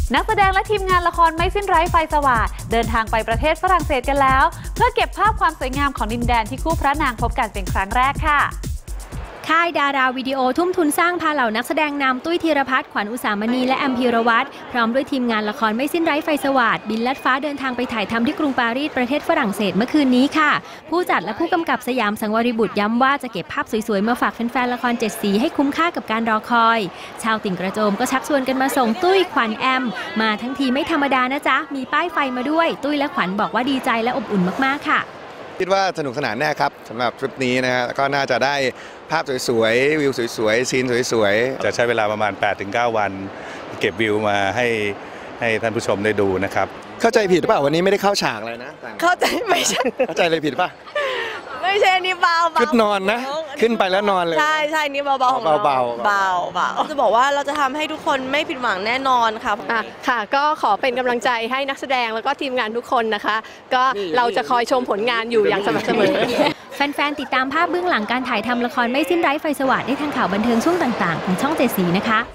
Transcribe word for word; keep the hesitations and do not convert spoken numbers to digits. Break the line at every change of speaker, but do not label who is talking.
นักแสดงและทีมงานละครไม่สิ้นไร้ไฟสว่างเดินทางไปประเทศฝรั่งเศสกันแล้วเพื่อเก็บภาพความสวยงามของดินแดนที่คู่พระนางพบกันเป็นครั้งแรกค่ะ
ค่ายดาราวิดีโอทุ่มทุนสร้างพาเหล่านักแสดงนำตุ้ยธีรพัฒน์ขวัญอุสามณีและแอมพีรวัตรพร้อมด้วยทีมงานละครไม่สิ้นไร้ไฟสว่างบินลัดฟ้าเดินทางไปถ่ายทำที่กรุงปารีสประเทศฝรั่งเศสเมื่อคืนนี้ค่ะผู้จัดและผู้กำกับสยามสังวริบุตรย้ำว่าจะเก็บภาพสวยๆมาฝากแฟนๆละครเจ็ดสีให้คุ้มค่ากับการรอคอยชาวติ่งกระโจมก็ชักชวนกันมาส่งตุ้ยขวัญแอมมาทั้งทีไม่ธรรมดานะจ๊ะมีป้ายไฟมาด้วยตุ้ยและขวัญบอกว่าดีใจและอบอุ่นมากๆค่ะ
คิดว่าสนุกสนานแน่ครับสำหรับทริปนี้นะฮะก็น่าจะได้ภาพสวยๆวิวสวยๆซีนสวยๆ
จะใช้เวลาประมาณ แปดถึงเก้า วันเก็บวิวมาให้ให้ท่านผู้ชมได้ดูนะครับ
เข้าใจผิดหรือเปล่าวันนี้ไม่ได้เข้าฉากเลยนะ
เข้าใจไม่ใช่
เข้าใจเลยผิดป่ะ
ไม่ใช่นี่เบา
ๆขึ้นนอนนะขึ้นไปแล้วนอนเลย
ใช่ใช่นี่เบาๆของเรา
เบา
ๆเบาเบาจะบอกว่าเราจะทำให้ทุกคนไม่ผิดหวังแน่นอนค่ะ
อ่ะค่ะก็ขอเป็นกำลังใจให้นักแสดงแล้วก็ทีมงานทุกคนนะคะก็เราจะคอยชมผลงานอยู่อย่างสม่ำเสมอ
แฟนๆติดตามภาพเบื้องหลังการถ่ายทำละครไม่สิ้นไร้ไฟสว่างได้ทางข่าวบันเทิงช่วงต่างๆของช่องเจ็ดสีนะคะ